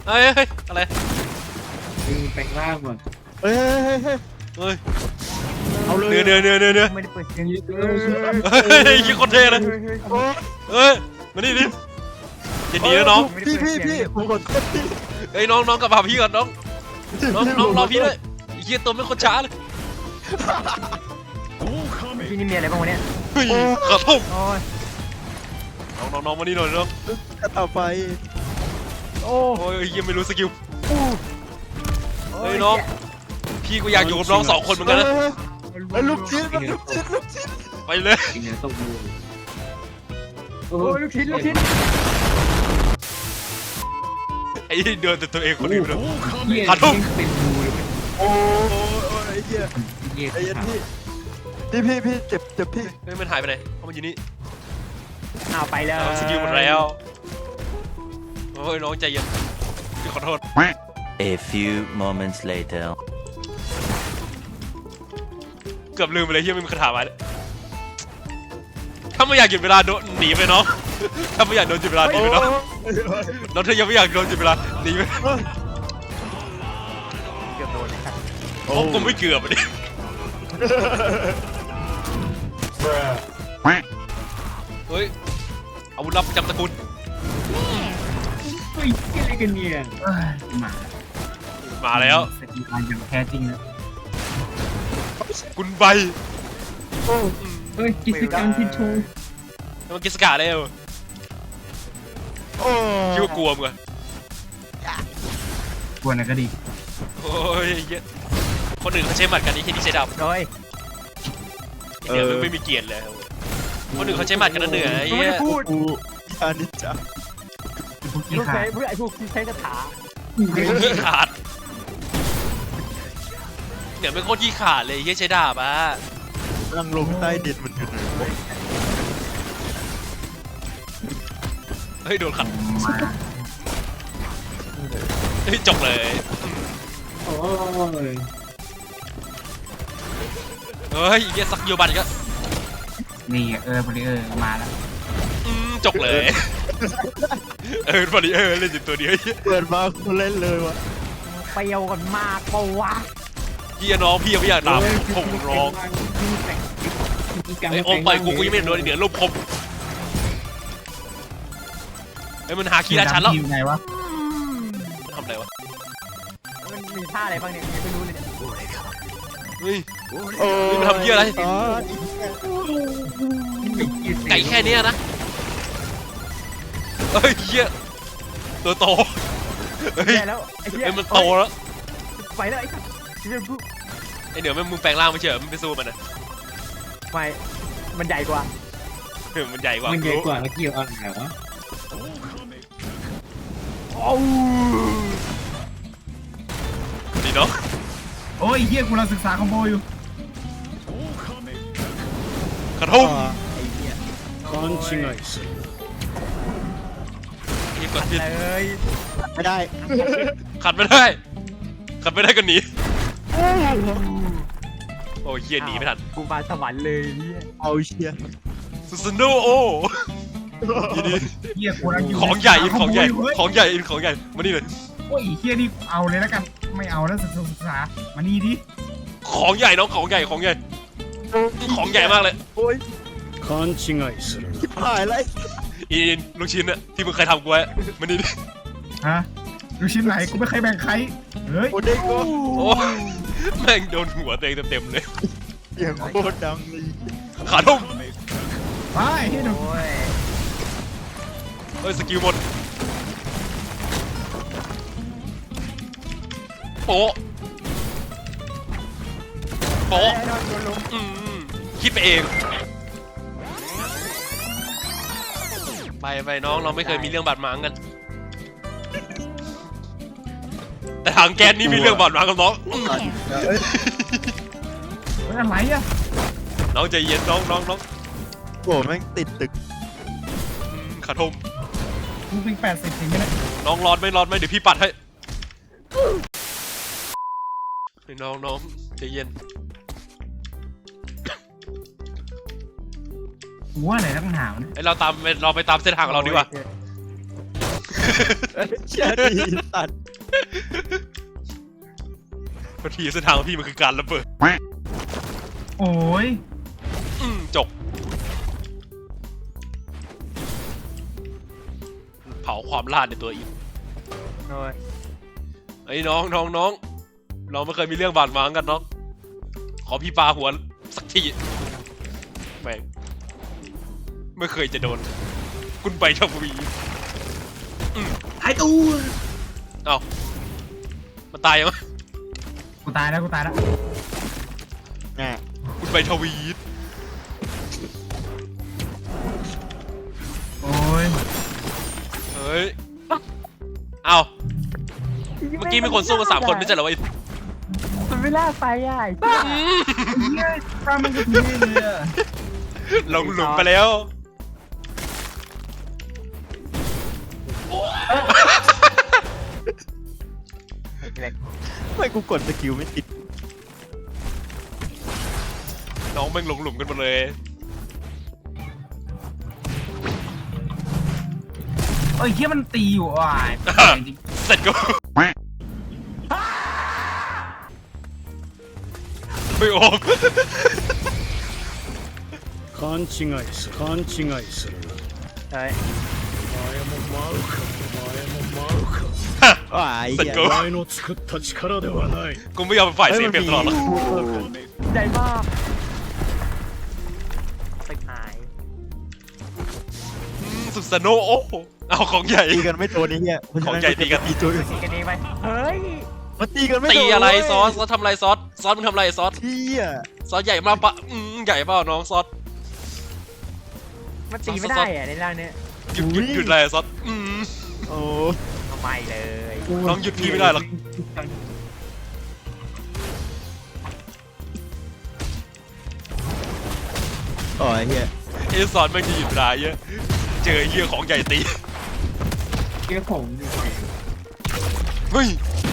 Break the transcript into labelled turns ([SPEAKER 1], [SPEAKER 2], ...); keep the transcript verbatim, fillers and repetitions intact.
[SPEAKER 1] เฮ้ยเฮ้ยอะไร
[SPEAKER 2] มึงแปลงร่างว่ะ
[SPEAKER 3] เฮ้ยเฮ้ยเฮ้ย
[SPEAKER 1] เฮ้ย
[SPEAKER 3] เอาเลย
[SPEAKER 1] เนื้อเนื้อเนื้อเนื้อเนื้อ
[SPEAKER 4] ไม่ได้เปิดเสียง
[SPEAKER 1] เฮ้ยยี่คนเท่เลยเฮ้ยมานี่ดิจะหนีแล้วน้อง
[SPEAKER 3] พี่พี่พี่ผมกดพี่
[SPEAKER 1] เฮ้ยน้องน้องกลับมาพี่ก่อนน้องน้องน้องรอพี่ด้วยเฮียตัวไม่คนช้าเลย
[SPEAKER 4] พี่นี่มีอะไรบ้างวะเนี่ย
[SPEAKER 1] เฮ้ยกระทุ่ม
[SPEAKER 4] โอ้ย
[SPEAKER 1] น้องน้องน้องมานี่หน่อยน้อง
[SPEAKER 3] กระต่ายไฟ
[SPEAKER 4] โอ้
[SPEAKER 1] โอ้ยยังไม่รู้สกิล
[SPEAKER 4] โอ้
[SPEAKER 1] เฮ้ยน้องพี่ก็อยากอยู่กับน้องสองคนเหมือนกันนะ
[SPEAKER 3] ไอ้ลูกชิ้นลูกชิ้นลูกชิ้น
[SPEAKER 1] ไปเลย
[SPEAKER 2] กินเนื้อต้มมือ
[SPEAKER 4] โอ้ลูกชิ้นลูกชิ้น
[SPEAKER 1] ไอ้เดินแต่ตัวเองคนอื่นเลย
[SPEAKER 2] เหี้ย
[SPEAKER 1] ขาทุ่ม
[SPEAKER 2] เป็นงูเลย
[SPEAKER 3] โอ้ยไอ้เหี้ย
[SPEAKER 2] เหี้ย
[SPEAKER 3] ไอ้ยันพี่พี่พี่พี่เจ็บเจ็บพี่
[SPEAKER 1] เฮ้ยมันหายไปไหนเพราะมันอยู่นี่
[SPEAKER 4] เอาไปเลย
[SPEAKER 1] สกิลหมดแล้วโอ้ยน้องใจเย็นพี่ขอโทษ
[SPEAKER 5] A few moments later.
[SPEAKER 1] เกือบลืมไปเลยที่ไม่มีคาถามาถ้าไม่อยากหยุดเวลาโดนหนีไปน้องถ้าไม่อยากโดนหยุดเวลาหนีไปน้องน้องเธอยังไม่อยากโดนหยุดเวลาหนีไป
[SPEAKER 4] เกือบโดนเลยครับ
[SPEAKER 1] ผมก็ไม่เกือบอ่ะดิเฮ้ยอาวุธลับประจำตระกูล
[SPEAKER 2] เฮ้ยอะไรกันเนี่ยมา
[SPEAKER 1] มาแล้ว
[SPEAKER 2] สกิลการอย่างแท้จริงนะ
[SPEAKER 1] กุนใบ
[SPEAKER 2] เฮ้ยกิจกรรมที่โชว์
[SPEAKER 1] มันกิสกาได้เหรอ
[SPEAKER 3] โอ้
[SPEAKER 1] คิดว่ากลัวมึงอะ
[SPEAKER 2] กวนอะไรก็ดี
[SPEAKER 1] โอ้ยเยอะคนอื่นเขาใช้หมัดกันนี่แค่นี้ใช้ดาบ
[SPEAKER 4] โอ้ย
[SPEAKER 1] เดี๋ยวมึงไม่มีเกียรติเลยคนอื่นเขาใช้หมัดกันนั่นเหนือไอ้
[SPEAKER 4] ไม่
[SPEAKER 1] เหี้ย
[SPEAKER 4] ได้พูด
[SPEAKER 3] กูยานิจา
[SPEAKER 2] พวก
[SPEAKER 4] พ
[SPEAKER 2] ขี้
[SPEAKER 4] วก
[SPEAKER 2] ขา
[SPEAKER 4] ใช้
[SPEAKER 2] ด
[SPEAKER 4] พวกไอ้พวกที่ใช้คาถา
[SPEAKER 1] ขี้ขาดเดี๋ยวเป็นโคตรขี้ขาดเลยเหี้ยใช้ดาบอ่ะ
[SPEAKER 3] ลังลงใต้ดินมันอยู่ไหนวะ
[SPEAKER 1] เฮ้ยโดนขัด
[SPEAKER 2] มา
[SPEAKER 1] เฮ้ยจบเลย
[SPEAKER 2] โอ้ย
[SPEAKER 1] เฮ้ยเหี้ยสักโยบันก็
[SPEAKER 2] นี่เออบริเออร์มาแล้ว
[SPEAKER 1] อืมจบเลย เออพอดีเออเล่นอยู่ตัวเดียว
[SPEAKER 3] เปิดมากูเล่นเลยวะ
[SPEAKER 4] เปรี้ยวกันมากปะวะ
[SPEAKER 1] พี่น้องพี่ยังไม่อยากตามผมร้องไอ้โอมไปกูกูยังไม่โดนเหนือลบคมไอ้มันหาคีราชันแล้ว
[SPEAKER 2] อยู่ไหนวะ
[SPEAKER 1] ทำอะไรวะ
[SPEAKER 4] มันมีท่าอะไรบ้างเนี่ยยังไม่รู้เลยเนี่ย
[SPEAKER 1] เฮ้ย
[SPEAKER 3] โอ้
[SPEAKER 1] นี่มันทำเหี้ยอะไร
[SPEAKER 3] อ๋อ
[SPEAKER 1] ไก่แค่เนี้ยนะเฮ้ยเหี้ยตัวโตเฮ้ย
[SPEAKER 4] แย่แล้วไอ้เหี้ย
[SPEAKER 1] เฮ้ยมันโตแล้ว
[SPEAKER 4] ไปแล้วไอ้สัสเรื่องกู
[SPEAKER 1] ไอ้เหนือมันมึงแปลงร่างไม่เฉยมันไปสู้มันนะ
[SPEAKER 4] ไม่มันใหญ่กว่า
[SPEAKER 1] เออมันใหญ่กว่า
[SPEAKER 2] มันใหญ่กว่าแล้วเกี่ยวอะไรวะ
[SPEAKER 4] โอ้
[SPEAKER 1] ดีเนาะ
[SPEAKER 2] โอ้ยเฮียกูเราศึกษาคอมโบอยู่
[SPEAKER 1] กระทุ่ม
[SPEAKER 2] 勘違いする
[SPEAKER 1] นี่กดผิด
[SPEAKER 4] เลย
[SPEAKER 3] ไม่ได้
[SPEAKER 1] ขัดไม่ได้ขัดไม่ได้ก็หนีโอ้ยเฮียหนีไม่ทัน
[SPEAKER 4] กูมาสวรรค์เลยเนี่ย
[SPEAKER 3] เอาเชีย
[SPEAKER 1] ซูซูโนโอยินดี
[SPEAKER 2] เฮียกูเราอยู่
[SPEAKER 1] ของใหญ่อินของใหญ่ของใหญ่อินของใหญ่มานี่เลย
[SPEAKER 2] โอ้ยเฮียนี่เอาเลยแล้วกันไม่เอาแล้วศึกษาศึกษามานี่ดิ
[SPEAKER 1] ของใหญ่น้องของใหญ่ของใหญ่ของใหญ่มากเลย
[SPEAKER 3] โอ้ย
[SPEAKER 6] 勘違いするな
[SPEAKER 3] ชิบหายเลย
[SPEAKER 1] อินลูกชิ้นอะที่มึงเคยทำกูไว้มานี่ดิ
[SPEAKER 2] ฮะลูกชิ้นไหนกูไม่เคยแบ่งใครเฮ้ย
[SPEAKER 3] โอ้เด็กก็
[SPEAKER 1] โอ้แม่งโดนหัวตัวเองเต็มๆเลย
[SPEAKER 3] เสียงโคตรดังเลย
[SPEAKER 1] ขาทุ่ม
[SPEAKER 2] ไปให้ดู
[SPEAKER 4] โอ้ย
[SPEAKER 1] เฮ้ยสกิลหมดโป๊ะโป๊ะ
[SPEAKER 4] ไอ้นอนโดนลุม
[SPEAKER 1] อืมคิดไปเองไปไปน้องเราไม่เคยมีเรื่องบาดหมางกัน แต่ถังแก๊สนี่มีเรื่องบาดหมางกับน้องอืม
[SPEAKER 2] เฮ้ยอะไรอ่ะ
[SPEAKER 1] น้องใจเย็นน้องน้องน้อง
[SPEAKER 3] โอ้แม่งติดตึก
[SPEAKER 1] อืมขาทม
[SPEAKER 2] กูเป็นแปดสิบถึงไหมเนี่ย
[SPEAKER 1] น้องร้อนไหม่ร้อนไหมเดี๋ยวพี่ปัดให้เฮ้ยน้องน้องใจเย็น
[SPEAKER 2] กูว่าไหนนักหนาวนะ
[SPEAKER 1] ไอเราตามเราไปตามเส้นทางของเราดีกว่า
[SPEAKER 3] เชี่ยดีสัตว์
[SPEAKER 1] บางทีเส้นทางของพี่มันคือการระเบิด
[SPEAKER 2] โอ้ย
[SPEAKER 1] อืมจบเผาความลาดในตัวอีก
[SPEAKER 4] โอ้ย
[SPEAKER 1] ไอ้ยน้องน้องน้องเราไม่เคยมีเรื่องบาดหมางกันน้องขอพี่ปาหัวสักทีแม่งไม่เคยจะโดนคุณไปทวี
[SPEAKER 2] ไอ้ตู้
[SPEAKER 1] เอ้ามันตายยังวะ
[SPEAKER 2] กูตายแล้วกูตายแล้ว
[SPEAKER 3] แน่
[SPEAKER 1] คุณไปทวี
[SPEAKER 2] โอ้ย
[SPEAKER 1] เฮ้ยเอ้าเมื่อกี้มีคนสู้กันสามคนไม่ใช่เหรอวะ
[SPEAKER 4] มันไม่ล่าไปอ่ะไอ้
[SPEAKER 1] อืม
[SPEAKER 2] เฮียปลามันก็ทีเลยอะ
[SPEAKER 1] ลงหลุมไปแล้ว
[SPEAKER 3] ไม่กูกดสกิลไม่ติด
[SPEAKER 1] น้องแม่งลงหลุมกันหมดเลย
[SPEAKER 2] เอ้ยเฮียมันตีอยู่อ่ะจริง
[SPEAKER 1] เสร็จก็ไม่ออก
[SPEAKER 6] 勘違いする勘違いするな
[SPEAKER 4] เฮ้ย
[SPEAKER 6] お前も舞うかお前も舞うか
[SPEAKER 3] ว้าย
[SPEAKER 1] เสร็จ
[SPEAKER 3] เหี้ย
[SPEAKER 1] ก็
[SPEAKER 6] お前の作った力ではない
[SPEAKER 1] กูไม่ยอมเป็นฝ่ายเสียเปรียบตลอดหรอก
[SPEAKER 4] ใหญ่มากไปหาย
[SPEAKER 1] อืมสุดสโนโอ้โหเอาของใหญ่
[SPEAKER 3] ตีกันไม่โดนไอ้เหี้ย
[SPEAKER 1] ของใหญ่ตีกัน
[SPEAKER 3] ตีตัว
[SPEAKER 4] ตีกันเองไปเฮ้ย
[SPEAKER 3] มันตีกันไม่โดน
[SPEAKER 1] ตีอะไร
[SPEAKER 3] เว้ย
[SPEAKER 1] ซอสซอสทำอะไรซอสซอสมึงทำอะไรซอส
[SPEAKER 3] เหี้ย
[SPEAKER 1] ซอสใหญ่มากปะอืมใหญ่เปล่าน้องซอส
[SPEAKER 4] มันตีไม่ได้อ่ะในร่างเนี้ย
[SPEAKER 1] หยุดหยุดหยุดอะไรซอสอืม
[SPEAKER 3] โอ้
[SPEAKER 4] ทำไมเลย
[SPEAKER 1] น้องหยุดพี่ไม่ได้หรอก
[SPEAKER 3] อ๋อไอ้เหี้ย
[SPEAKER 1] เอซอนแม่งจะหยุดเวลาเยอะเจอไอ้เหี้ยของใหญ่ตี
[SPEAKER 2] เฮียของ
[SPEAKER 1] เฮ้ย